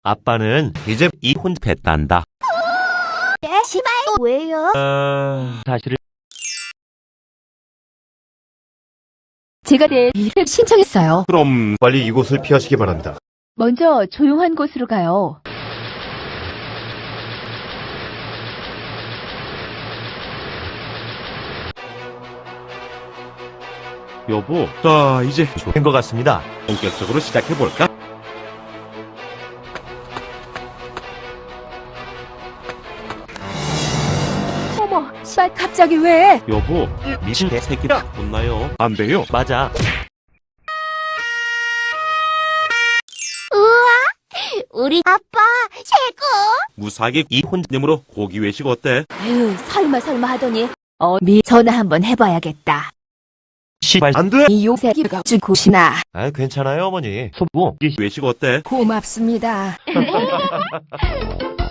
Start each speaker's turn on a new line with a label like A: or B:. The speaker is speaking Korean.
A: 아빠는 이제 이혼했단다.
B: 시발 왜요?
A: 사실을
C: 제가 내일을 신청했어요.
D: 그럼 빨리 이곳을 피하시기 바랍니다.
C: 먼저 조용한 곳으로 가요.
D: 여보, 자 이제
A: 된 것 같습니다.
D: 본격적으로 시작해볼까?
C: 어머, 시발 갑자기 왜?
D: 여보,
A: 미친 개새끼야.
D: 혼나요? 안 돼요.
A: 맞아.
B: 우리 아빠 최고.
D: 무사하게 이혼님으로 고기 외식 어때?
C: 에휴, 설마 하더니. 전화 한번 해봐야겠다.
A: 시발.
D: 안 돼!
C: 이 요새기가 죽으시나.
A: 아, 괜찮아요, 어머니. 소부.
D: 외식 어때?
C: 고맙습니다.